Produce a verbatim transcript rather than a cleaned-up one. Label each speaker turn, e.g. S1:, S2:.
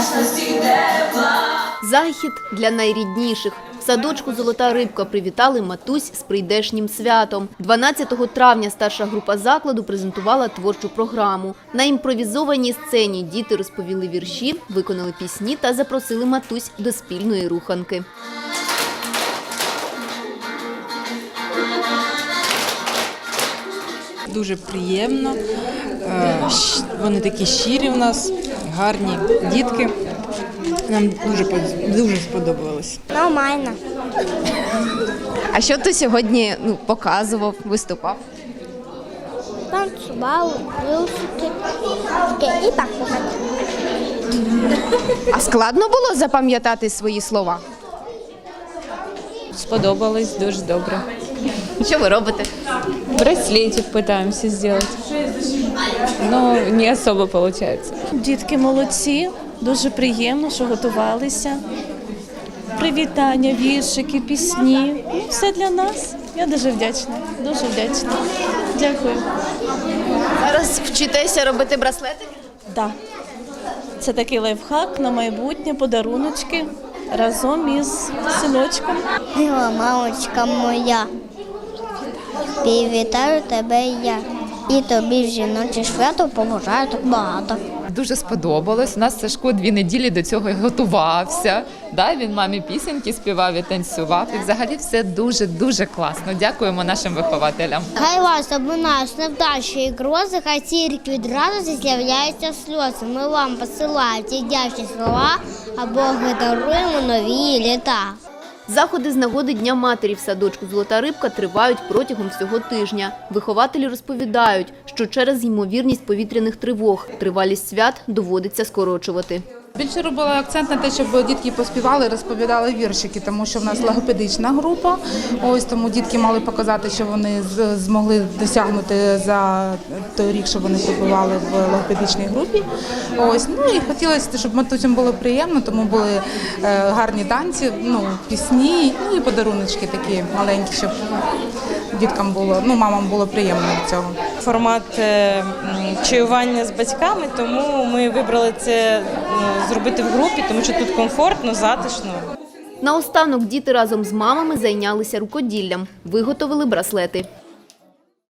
S1: вдячності тепла.
S2: Захід для найрідніших. В садочку «Золота рибка» привітали матусь з прийдешнім святом. дванадцятого травня старша група закладу презентувала творчу програму. На імпровізованій сцені діти розповіли вірші, виконали пісні та запросили матусь до спільної руханки.
S3: Дуже приємно, вони такі щирі в нас, гарні дітки. Нам дуже, дуже сподобалось.
S4: Нормально.
S2: А що ти сьогодні ну, показував, виступав?
S4: Танцював, вилсики і так показати.
S2: А складно було запам'ятати свої слова?
S5: Сподобалось, дуже добре.
S2: Що ви робите?
S5: Браслетик пытаемся сделать, но не особо получается.
S6: Дітки молодці, дуже приємно, що готувалися. Привітання, віршики, пісні. Ну, все для нас. Я дуже вдячна, дуже вдячна. Дякую.
S2: Зараз вчитеся робити браслети?
S6: Да. Це такий лайфхак на майбутнє, подаруночки разом із синочком.
S4: Мила мамочка моя, привітаю тебе я. І тобі в жіноче свято побажаю так багато.
S7: Дуже сподобалось. У нас Сашко дві неділі до цього і готувався. Да, він мамі пісеньки співав і танцював. І взагалі все дуже-дуже класно. Дякуємо нашим вихователям.
S4: Хай вас обминають невдачі і грози, хай тільки від радості з'являються сльози. Ми вам посилаємо ті вдячні слова, а Бог даруємо нові літа.
S2: Заходи з нагоди Дня матері в садочку «Золота рибка» тривають протягом всього тижня. Вихователі розповідають, що через ймовірність повітряних тривог тривалість свят доводиться скорочувати.
S8: Більше робила акцент на те, щоб дітки поспівали, розповідали віршики, тому що в нас логопедична група. Ось тому дітки мали показати, що вони змогли досягнути за той рік, що вони побували в логопедичній групі. Ось, ну і хотілося, щоб матусям було приємно, тому були гарні танці, ну, пісні, ну і подаруночки такі маленькі, щоб діткам було, ну, мамам було приємно від цього.
S9: Формат чаювання з батьками, тому ми вибрали це зробити в групі, тому що тут комфортно, затишно.
S2: Наостанок діти разом з мамами зайнялися рукоділлям, виготовили браслети.